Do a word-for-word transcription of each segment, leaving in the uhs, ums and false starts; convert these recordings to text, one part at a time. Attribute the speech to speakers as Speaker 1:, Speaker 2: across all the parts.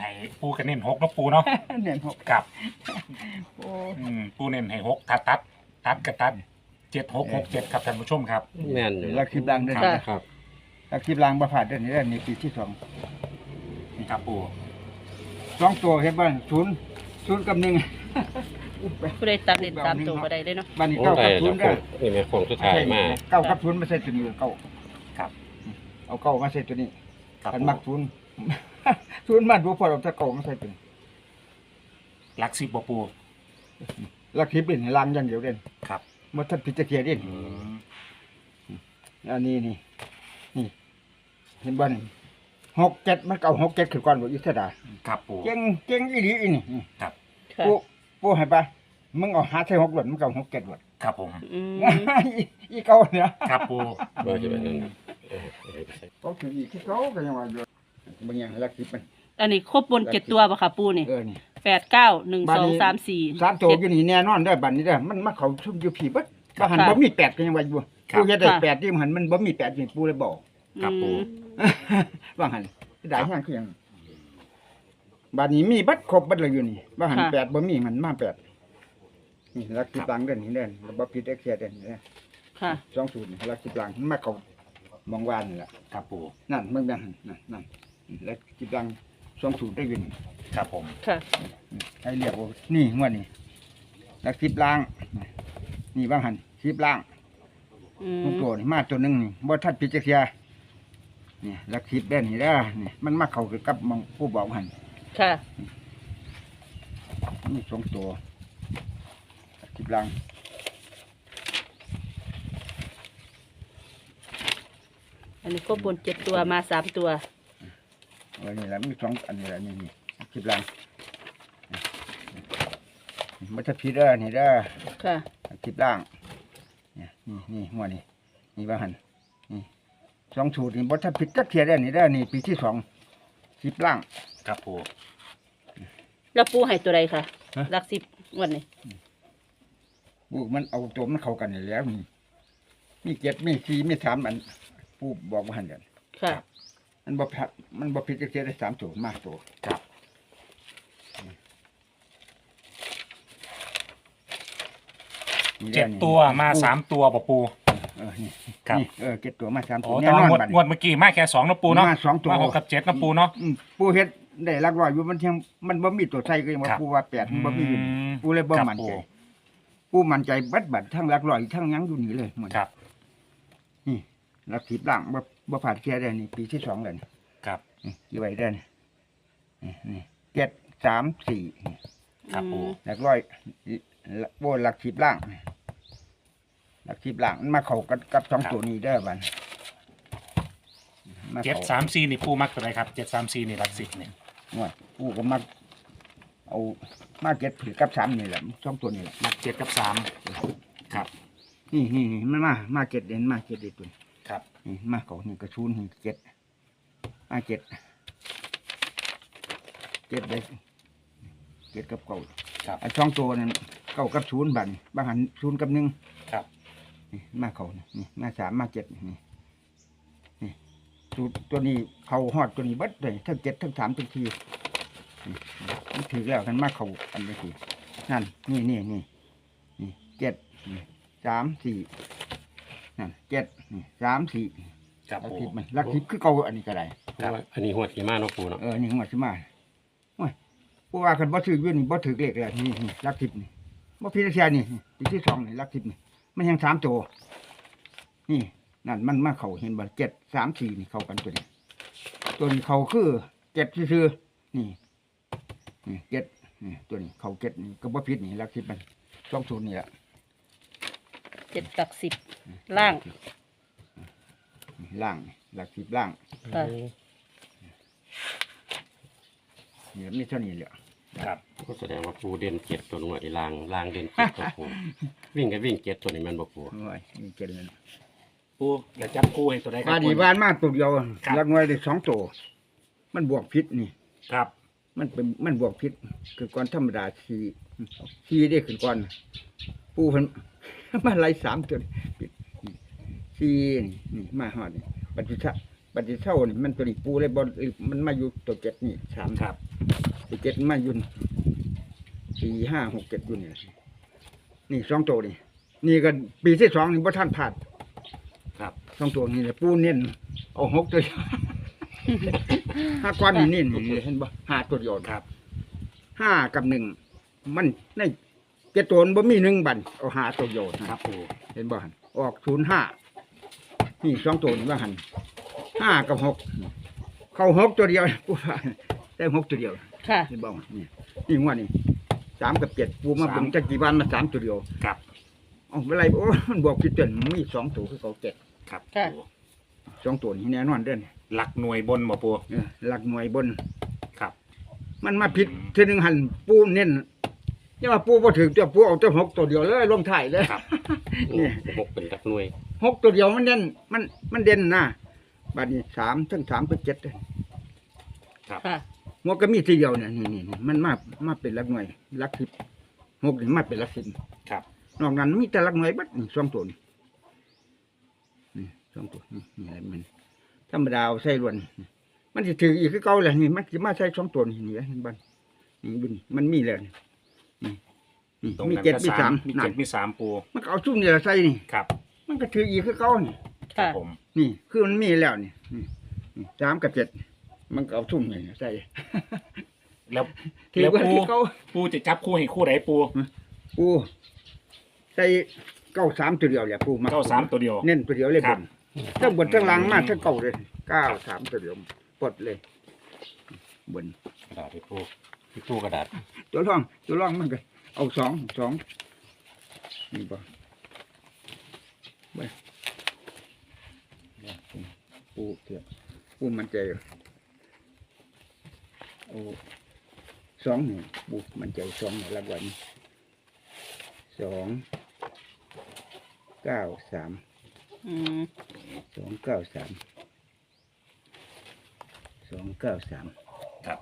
Speaker 1: ให้ปูกันเน้นหกเนาะปูเนาะ
Speaker 2: เน้นหก
Speaker 1: ครับ
Speaker 2: โอ้
Speaker 1: อืมปูเน้นให้หกตัดตัดตัดกระตัดเจ็ดหกหกเจ็ดครับท่านผู้ชมครับ
Speaker 3: แม่นอยู่
Speaker 2: ลักคลิปลังเด้อ
Speaker 1: ครับ
Speaker 3: ครับ
Speaker 2: ลักคลิปลังบ่ผ่านเด้อนี่เด้อนี่ปีที่สอง
Speaker 1: นี่ครับปู
Speaker 2: สองตัวเห็นบ่ศูนย์ศูนย์กับหนึ่ง
Speaker 4: ผู้ใดตัดเด่นสามตัวก็ได้เลยเนาะ
Speaker 2: บ้านนี้
Speaker 3: โอ้
Speaker 2: เก้า
Speaker 3: ได้
Speaker 2: กับศู
Speaker 3: แล้
Speaker 2: น
Speaker 3: ว
Speaker 2: ย์
Speaker 3: ค
Speaker 2: เด้อง
Speaker 3: นี่แม่คงสุดท้ายมา
Speaker 2: เก้ากับศูนย์มาใส่ตัวนี้เก้า
Speaker 1: ครับ
Speaker 2: เอาเก้ามาใส่ตัวนี้
Speaker 1: ครับ
Speaker 2: กัน
Speaker 1: ปู
Speaker 2: มักศูนย์ ศูนย์มาดูพอเราจะเก้ามาใส่ตัวนี้
Speaker 1: หลักสิบบ่ปู
Speaker 2: ลักคลิปเป็นลังอย่างเดียวเด่น
Speaker 1: ครับ
Speaker 2: บ่ทันพิจารณาเด่น
Speaker 1: อืม
Speaker 2: อันนี้นี่นี่เห็นบ่นี่หกเจ็ดมันเก่าหกเจ็ดคือก่อนบ่ยุทธดา
Speaker 1: ครับปู
Speaker 2: เก่งเก่งอีหลีอีนี่นี่
Speaker 1: ครับ
Speaker 4: ค่ะ
Speaker 2: ปูปูให้ปะมึงเอาหาใส่หกหลดมึงเก่าหกเจ็ดหลด
Speaker 1: ครับผม
Speaker 4: อืม
Speaker 2: อีอีเก่าเนี่ย
Speaker 1: ครับปู
Speaker 3: เบอร์จะเป็นนั่นเออเอาไปใส่
Speaker 2: เขาถืออีกที่เขาก็ยังว่าอยู่บางอย่างลักคลิปมัน
Speaker 4: อันนี้ครบบนเจ็ดตัวป่ะค่ะปูนี่
Speaker 2: เออนี่
Speaker 4: แปดเก้าหนึ่งสองสามสี่
Speaker 2: สามตัว
Speaker 4: เจ็ด
Speaker 2: อยู่นี่แน่นอนเด้อบัดนี้เด้อมันมาเขาซุ่มอยู่ผีเบิดว่าหัน
Speaker 4: ค่ะ
Speaker 2: บ่มีแปดก็ยังว่าอยู่
Speaker 1: ครับ
Speaker 2: ปูเฮ็ดได้
Speaker 4: ค่ะ
Speaker 2: แปดที่หันมันบ่มีแปดนี่ปูเลยบอก
Speaker 1: ครับปู
Speaker 2: ว่าหันได้แห้งคือหยังบัดนี้มีเบัดครบเบัดเลยอยู่นี่ว่าหันแปดบ่มีมันมาแปดนี่ลักคลิปลังเด้อนี่เด้อบ่ผิดเอ็กเซียเด้อนี่เด้อ
Speaker 4: ค่ะ
Speaker 2: สองศูนย์ลักคลิปลังมันมาเขามองวานนี่ล่ะ
Speaker 1: ครับปู
Speaker 2: นั่นเมืองนั่นนั่นนั่นแล้วจิบลังสองศูนย์ได้ยิน
Speaker 1: ครับผม
Speaker 4: ค่ะ
Speaker 2: ให้เรียกว่านี่งวดนี่แล้วคลิปล่างนี่บางหันคลิปล่าง
Speaker 4: อืม
Speaker 2: ทุกตัวนี่มาตัวหนึงนี่บ่ทัดพิจารณานี่แล้วคลิปได้นี่เด้อนี่มันมาเข้ากับมองผู้บอกหัน
Speaker 4: ค่ะ
Speaker 2: นี่สองตัวคลิปล่าง
Speaker 4: อันนี้ครบบนเจ็ดตัวมาสามตัว
Speaker 2: เออนี่แหละมีสองอันนี้แหละนี่นี่คลิปล่างบ่ทัดพิจารณานี่เด้อ
Speaker 4: ค่ะ
Speaker 2: คลิปล่างนี่นี่นี่หัวนี่นี่ว่าหันนี่สองสูตรนี่บดถ้าผิดจักเทียได้นี่ได้อนี่ปีที่สองคลิปล่าง
Speaker 1: ครับปู
Speaker 4: แล้วปูให้ตัวใดค่ะ
Speaker 2: ฮะ
Speaker 4: หลักสิบงวันนี้
Speaker 2: ปูมันเอาตัวมันเข้ากันนี่แล้วนี่มีเจ็ดมีสี่มีสามอันปูบอกว่าหันกัน
Speaker 4: ค่ะ
Speaker 2: มันบ่ผิดมันบ่ผิดจักเทียได้สามตัวมากตัว
Speaker 1: ครับ
Speaker 2: นี่
Speaker 1: เจ็ด
Speaker 2: นี่
Speaker 1: ตัวมาสามตัวบ่ปู
Speaker 2: เออนี่
Speaker 1: ครับ
Speaker 2: นี่เออเจ็ดตัวมาสามตั
Speaker 1: โอ้
Speaker 2: ว
Speaker 1: แต่
Speaker 2: แน่น
Speaker 1: ว่า
Speaker 2: อน
Speaker 1: งวด
Speaker 2: บัด
Speaker 1: งวดเมื่อกี้มาแค่สองเนาะปูเนาะ
Speaker 2: มาสองตัว
Speaker 1: มาหกกับเจ็ดเนาะปูเนาะ
Speaker 2: อืมปูเฮ็ดได้หลักร้อยอยู่มันเทียงมันบ่มีตัวใส่ก็ยังว่า
Speaker 1: ครับ
Speaker 2: ปูว่าแปดมันบ่มีอยู่
Speaker 1: อืม
Speaker 2: ปูเลยบ่
Speaker 1: ครับ
Speaker 2: มั่นใจ
Speaker 1: ปู
Speaker 2: ปูมั่นใจบัดบัดทั้งหลักร้อยทั้งหยังอยู่นี่เลยหมด
Speaker 1: ครับ
Speaker 2: นี่หลักสิบล่างบ่บ่ผ่านเกียร์ได้นี่ปีที่สองแล้วนี่
Speaker 1: ครับ
Speaker 2: นี่อยู่ไว้ได้นี่นี่นี่เจ็ดสามสี่นี่
Speaker 1: ครับปู
Speaker 2: หลักร้อยโบหลักสิบล่างหลักสิบล่างมันมาเข้ากับกับสองตัวนี้ได้อบัดมา
Speaker 1: เจ็ด
Speaker 2: เข้า
Speaker 1: สามสี่นี่ปูมักตัวไหนครับเจ็ดสามสี่นี่หลักสิบเนี่ย
Speaker 2: งวดปูก็มาเอามาเจ็ดผือกับสามนี่แหละสองตัวนี่แหละ
Speaker 1: มักเจ็ดกับสามครับ
Speaker 2: นี่นี่นี่มันมามาเจ็ดเด่นมาเจ็ดเด่นตัวนี้
Speaker 1: ครับ
Speaker 2: นี่มาเขานี่กระชูนนี่เจ็ดมาเจ็ดเจ็ดเลยเจ็ดกับเก่า
Speaker 1: ครับ
Speaker 2: ไอ้ช่องตัวนั้นเก้ากับศูนย์บัดนบางหันศูนย์กับหนึ่ง
Speaker 1: ครับ
Speaker 2: นี่มาเขานี่นี่มาสามมาเจ็ดนี่นี่สูตรตัวนี้เขาหอดตัวนี้เบัดเลยทั้งเจ็ดทั้งสามทั้งทีนี่นี่ถือแล้วกันมาเขาอันนี้ทีนั่นนี่นี่นี่นี่เจ็ดนี่สามสี่นั่นเจ็ดนี่สามสี่
Speaker 1: ครับ
Speaker 2: ลัก
Speaker 1: ปู
Speaker 2: ทิพย์มันลักทิพย์คือเก่าอันนี้ก็ได้
Speaker 3: เพราะว่าอันนี้หัวขี่ม้าเนาะปูเนาะ
Speaker 2: เออนี่หัวชิมาโอ้ยผู้ว่ากันบ่ถืออยู่นี่บ่ถือเลขเลยนี่นี่ลักทิพย์นี่บ่พิจารณานี่ปีที่สองนี่ลักทิพย์นี่มันยังสามตัวนี่นั่นมันมาเข้าเห็นบ่เจ็ดสามสี่นี่เข้ากันตัวนี้ตัวนี้เข้าคือเจ็ดซื่อๆนี่นี่เจ็ดนี่ตัวนี้เข้าเจ็ดนี่ก็บ่ผิดนี่ลักทิพย์มันสองศูนย์นี่ล่ะ
Speaker 4: เจ็ดหลักสิบล่าง
Speaker 2: นี่ล่างนี่ลักทิพย์ล่าง
Speaker 4: ค่ะ
Speaker 2: นี่มีเท่านี้แหละ
Speaker 1: ครับ
Speaker 3: ก็แสดงว่าปูเด่นเจ็ดตัวหน่วยลางลางเด่นเจ็ดตัวปูวิ่งก็วิ่งเจ็ดตัวนี้แมันบ่ปู
Speaker 2: โอ้ยมีเจ็ดเลย
Speaker 1: ปูอย่าจับปูให้ตัวไหนครั
Speaker 2: บ้า
Speaker 1: บ
Speaker 2: นนี้บ้านมาตัวเดียว
Speaker 1: ครับ
Speaker 2: ลักน้อยได้สองตัวมันบวกพิษนี่
Speaker 1: ครับ
Speaker 2: มันเป็นมันบวกพิษคือก่อนธรรมดาสี่สี่ได้ขึ้นก่อน ปูเพิ่น มาไล่สามตัวนี่พิษนี่สี่นี่นี่มาหอดนี่ปฏิชะปฏิเช่านี่มันตัวนี้ปูเลยบอลมันมาอยู่ตัวเจ็ดนี่สาม
Speaker 1: ครับ
Speaker 2: สี่เจ็ดมาอยุ่นสี่ห้าหกเจ็ดอยุ่นนี่นี่สองตัวนี่นี่ก็ปีที่สองนี่พ่ท่านผ่าน
Speaker 1: ครับ
Speaker 2: สองตัวนี่แหละปูเน้นเอาหกตัวเดียว ห้าก้อนนี่นี่นี่เห็นบ่ห้าตัวเดียว
Speaker 1: ครับ
Speaker 2: ห้ากับหนึ่งมันในเจ็ดตัวมันบ่มีหนึ่งบันเอาห้าตัวเดียวนะครับ
Speaker 1: ปู
Speaker 2: เห็นบ่หันออกศูนย์ห้านี่สองตัวนี่ว่าหันห้ากับหกเข้าหกตัวเดียวปูว่าได้หกตัวเดียว
Speaker 4: ค่ะ
Speaker 2: เห็นบ่นี่นี่งวดนี่สามกับเจ็ดปูมาเบิ่งจักกี่วันมาสามตัวเดียว
Speaker 1: ครับ
Speaker 2: เอ๋อเมื่อไรโอ้มันบอกคิดเตือนมันมีสองตัวคือเขาเจ็ด
Speaker 1: ครับ
Speaker 4: ค่ะ
Speaker 1: ปู
Speaker 2: สองตัวนี่แน่นอนเด้อน
Speaker 1: หลักหน่วยบนบ่ปู
Speaker 2: เออหลักหน่วยบน
Speaker 1: ครับ
Speaker 2: มันมาผิดทีหนึ่งหันปูเน้นนี่ว่าปูพอถึงตัวปูเอาตัวหกตัวเดียวเลยลงถ่ายเลย
Speaker 1: ครับ
Speaker 2: นี่
Speaker 3: หกเป็นรักหน่วย
Speaker 2: หกตัวเดียวมันเด่นมันมันเด่นนะบัดนี้สามทั้งสามเป็นเจ็ดเลย
Speaker 1: ครับ
Speaker 4: ค่ะ
Speaker 2: หัวก็มีทีเดียวเนี่ยนี่นี่นี่มันมามาเป็นหลักหน่วยหลักสิบหกนี่มาเป็นหลักสิบ
Speaker 1: ครับ
Speaker 2: นอกนั้นมีแต่หลักหน่วยบัดนี่สองตัวนี่นี่สองตัวนี่นี่อะไรมันธรรมดาเอาใส่ล้วนมันจะถืออีกคือเก่าแหละนี่มันจะมาใส่สองตัวนี่นี่เห็นบ้านนี่บุญมันมีแล้วนี่นี่นี่
Speaker 1: ตรง
Speaker 2: มี
Speaker 1: นั้น
Speaker 2: เจ็ด
Speaker 1: ก็
Speaker 2: มี
Speaker 1: สา
Speaker 2: สาม ม
Speaker 1: มี
Speaker 2: นั่
Speaker 1: เจ็
Speaker 2: น
Speaker 1: ดมีสามปู
Speaker 2: มันก็เอาซุ่มนี่แหละใส่นี่
Speaker 1: ครับ
Speaker 2: มันก็ถืออีกคือเก่านี่
Speaker 1: ครับ
Speaker 4: ค่ะ
Speaker 1: ผม
Speaker 2: นี่คือมันมีแล้วนี่นี่นี่สามกับเจ็ดมันก็เอาซุ่มนี่ใส่
Speaker 1: แล้ว
Speaker 2: ถือ
Speaker 1: แล้ว
Speaker 2: ว่า
Speaker 1: ปู
Speaker 2: คือเก่า
Speaker 1: ปูจะจับคู่ให้คู่ไหนปู
Speaker 2: ปูใส่เก้าสามตัวเดียวแหละปูมา
Speaker 1: เก้าสามตัวเดียว
Speaker 2: เน้นตัวเดียวเลย
Speaker 1: ครับ
Speaker 2: บนทั้งบนทั้งล่างมากทั้งเก่าเลยเก้าสามตัวเดียวปลดเลยบน
Speaker 3: กระดาษที่ปูที่ปูกระดาษ
Speaker 2: ตัวร่องตัวร่องมันก็เอาสองสองนี่บ่ไปปูเทียบปูมันใจเอาสองนี่ปูมันใจสองนี่ละวันสองเก้าสาม
Speaker 4: อืม
Speaker 2: สองเก้าสามสองเก้าสาม
Speaker 1: ครับ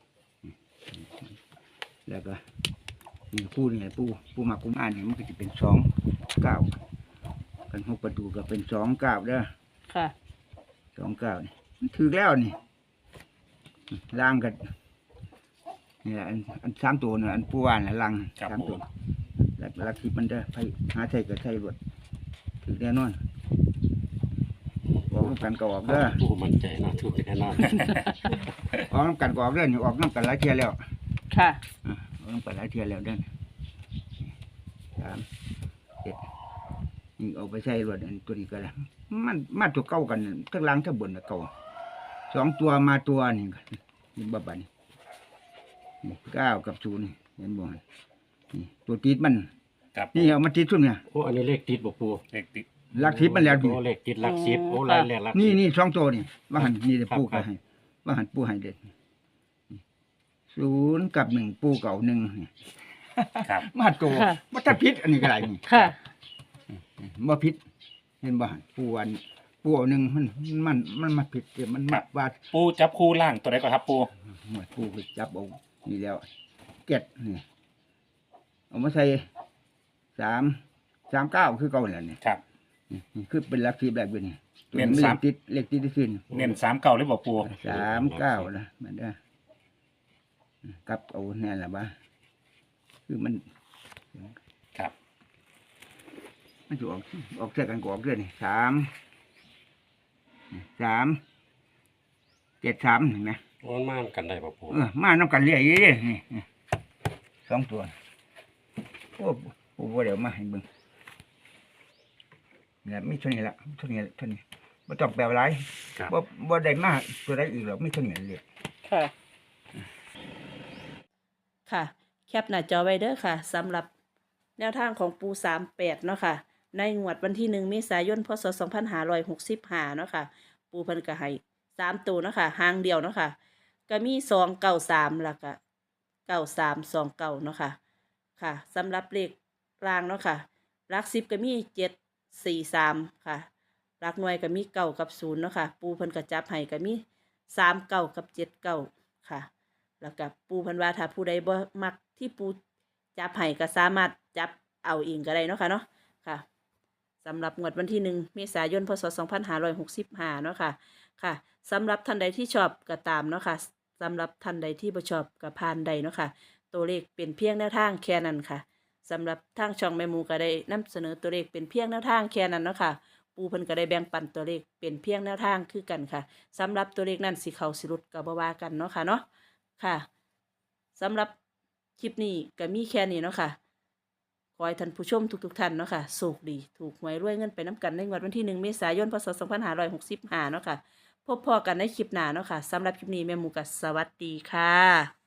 Speaker 2: แล้วก็นี่ปูนี่ปูปูมากุมอ่านนี่มันก็จะเป็นสองเก้ากันหกประตูก็เป็นสองเก้าเด้อ
Speaker 4: ค่ะ
Speaker 2: สองเก้านี่มันถือแล้วนี่ล่างกันนี่แหละอันอันสามตัวเนี่ยอันปูว่านน่ะล่างสามตัวแล้วลักทิพมันเด้อไปหาใส่ก็ใส่รวดถือแน่นอนออกน้ำกันก็ออกเด้อ
Speaker 3: ปูมั่นใจเนาะถูกแน่นอน
Speaker 2: ออกน้ำกันก็ออกเด้อนี่ออกน้ำกันหลายเที่ยแล้ว
Speaker 4: ค่ะ
Speaker 2: อ่ะออกน้ำกันหลายเที่ยแล้วเด้อสามเจ็ดนี่เอาไปใส่รวดอันตัวนี้ก็แล้วมันมาตัวเก่ากันทั้งล่างทั้งบนน่ะเก่าสองตัวมาตัวนี่ก็นี่บับบัดนนี่เก้ากับศูนย์นี่เห็นบ่นี่ตัวติดมัน
Speaker 1: ครับ
Speaker 2: นี่เอามาติดซุ่มเนี่ย
Speaker 3: โอ้อันนี้เลขติดบ่ปู
Speaker 1: เลขติด
Speaker 2: ลักทิพมันแล้วนี่
Speaker 3: โอ้เลขติดหลักสิบโอ้
Speaker 4: อ๋อ
Speaker 3: รายเลขหลัก
Speaker 2: นี่
Speaker 3: สิบ
Speaker 2: นี่สองตัวนี่ว่าหันนี่เดี๋ยว
Speaker 3: ครับ
Speaker 2: ปู
Speaker 3: ครั
Speaker 2: ก็
Speaker 3: บ
Speaker 2: ให้ว่าหันปูให้เด็ดศูนย์กับหนึ่งปูเก่าหนึ่งนี่
Speaker 1: ครับ
Speaker 2: มาตัว
Speaker 4: ค่ะ
Speaker 2: มาถ้าพิษอันนี้ก็ไรนี่
Speaker 4: ค่ะ
Speaker 2: บ่พิษเห็นบ่หันปูอันปูเอาหนึ่งมันมันมันมาผิดเดี๋ยวมันมาว่า
Speaker 1: ปูจับคู่ล่างตัวไหนก่อนครับปู
Speaker 2: หมวดปูก็จับเอานี่แล้วเก็ดนี่เอามาใส่สามสามเก้าคือเก่าแหละนี่
Speaker 1: ครับ
Speaker 2: นี่คือเป็นลักทีแบบอยู่นี่ตัว
Speaker 1: เน้น
Speaker 2: เล
Speaker 1: สา
Speaker 2: ข
Speaker 1: ม
Speaker 2: ติดเลขติดที่สิ้น
Speaker 1: เน้นสามเก้าหรือเปล่าปู
Speaker 2: สามเก้านะมันได้กลับเอาแน่ละบ้าคือมัน
Speaker 1: ครับ
Speaker 2: มันจะออกออกเสื้อกันกออกเรื่อยนี่สามสามเจ็ดสามเห็นไหม
Speaker 3: โอ้มันมากันได้บ่ปู
Speaker 2: เออมาน้ำกันเรื่อยๆนี่นี่สองตัวโอ้โหเดี๋ยวมาให้เบิ่งเนี่ยไม่เท่านี้ละเท่านี้เท่านี้บ่ต้องแปลอะไร
Speaker 1: ครับ
Speaker 2: บ่บ่ได้มากตัวใดอีกหรอกไม่เท่านี้เลย
Speaker 4: ค่ะ ค่ะ แคปหน้าจอไว้เด้อค่ะสำหรับแนวทางของปูสามแปดเนาะค่ะ ในงวดวันที่หนึ่งเมษายนพศสองพันห้าร้อยหกสิบห้าเนาะค่ะ ปูเพิ่นก็ให้สามตัวเนาะค่ะหางเดียวเนาะค่ะ ก็มีสองเก้าสามแล้วก็เก้าสามสองเก้าเนาะค่ะ ค่ะสำหรับเลขรางเนาะค่ะหลักสิบก็มีเจ็ดสี่สามค่ะหลักหน่วยก็มีเก้ากับศูนย์เนาะค่ะ ปูเพิ่นก็จับให้ก็มีสามเก้ากับเจ็ดเก้าค่ะ แล้วก็ปูเพันว่าถ้าผู้ใดบ่มักที่ปูจับให้ก็สามารถจับเอาเองก็ได้เนาะค่ะเนาะค่ะสำหรับงวดวันที่หนึ่งเมษายนพศสองพันห้าร้อยหกสิบห้าเนาะค่ะค่ะสำหรับท่านใดที่ชอบก็ตามเนาะค่ะสำหรับท่านใดที่บ่ชอบกับพานใดเนาะค่ะตัวเลขเป็นเพียงแนวทางแค่นั้นค่ะสำหรับทางช่องแม่หมูก็ได้นำเสนอตัวเลขเป็นเพียงแนวทางแค่นั้นเนาะค่ะปูเพิ่นก็ได้แบ่งปันตัวเลขเป็นเพียงแนวทางคือกันค่ะสำหรับตัวเลขนั้นสิเข้าสิหลุดก็บ่ว่ากันเนาะค่ะเนาะค่ะสำหรับคลิปนี้ก็มีแค่นี้เนาะค่ะขอให้ท่านผู้ชมทุกๆท่านเนาะค่ะโชคดีถูกหวยรวยเงินไปน้ำกันในงวดวันที่หนึ่งเมษายนพศสองพันห้าร้อยหกสิบห้าเนาะค่ะพบพอกันในคลิปหน้าเนาะค่ะสำหรับคลิปนี้แม่หมูก็สวัสดีค่ะ